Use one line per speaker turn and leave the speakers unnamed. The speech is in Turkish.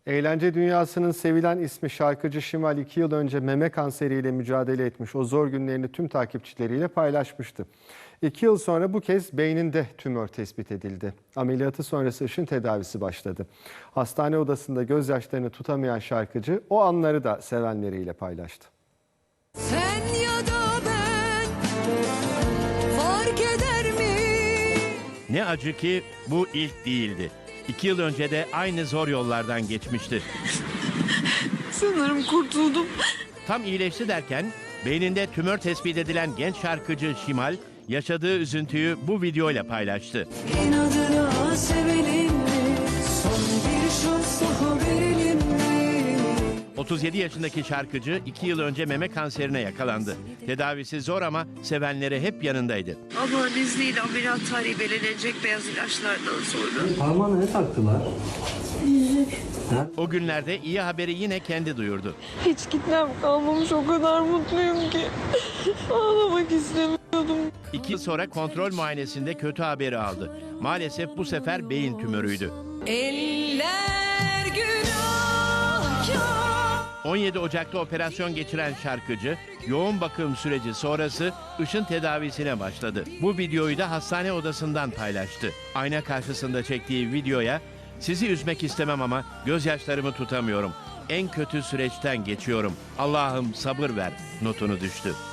Eğlence dünyasının sevilen ismi şarkıcı Şimal 2 yıl önce meme kanseriyle mücadele etmiş. O zor günlerini tüm takipçileriyle paylaşmıştı. 2 yıl sonra bu kez beyninde tümör tespit edildi. Ameliyatı sonrası ışın tedavisi başladı. Hastane odasında gözyaşlarını tutamayan şarkıcı o anları da sevenleriyle paylaştı.
Sen ya da ben fark eder mi?
Ne acı ki bu ilk değildi. 2 yıl önce de aynı zor yollardan geçmişti.
Sanırım kurtuldum.
Tam iyileşti derken beyninde tümör tespit edilen genç şarkıcı Şimal yaşadığı üzüntüyü bu videoyla paylaştı.
İnadına sevelim mi? Son bir şans daha verelim mi?
37 yaşındaki şarkıcı 2 yıl önce meme kanserine yakalandı. Tedavisi zor ama sevenleri hep yanındaydı.
Allah'ın izniyle ameliyat tarihi belirlenecek beyaz ilaçlardan sonra.
Parmağına ne taktılar?
O günlerde iyi haberi yine kendi duyurdu.
Hiç kitlem kalmamış, o kadar mutluyum ki. Ağlamak istemiyordum.
2 yıl sonra kontrol muayenesinde kötü haberi aldı. Maalesef bu sefer beyin tümörüydü.
Eller günahkar.
17 Ocak'ta operasyon geçiren şarkıcı yoğun bakım süreci sonrası ışın tedavisine başladı. Bu videoyu da hastane odasından paylaştı. Ayna karşısında çektiği videoya "Sizi üzmek istemem ama gözyaşlarımı tutamıyorum. En kötü süreçten geçiyorum. Allah'ım sabır ver" notunu düştü.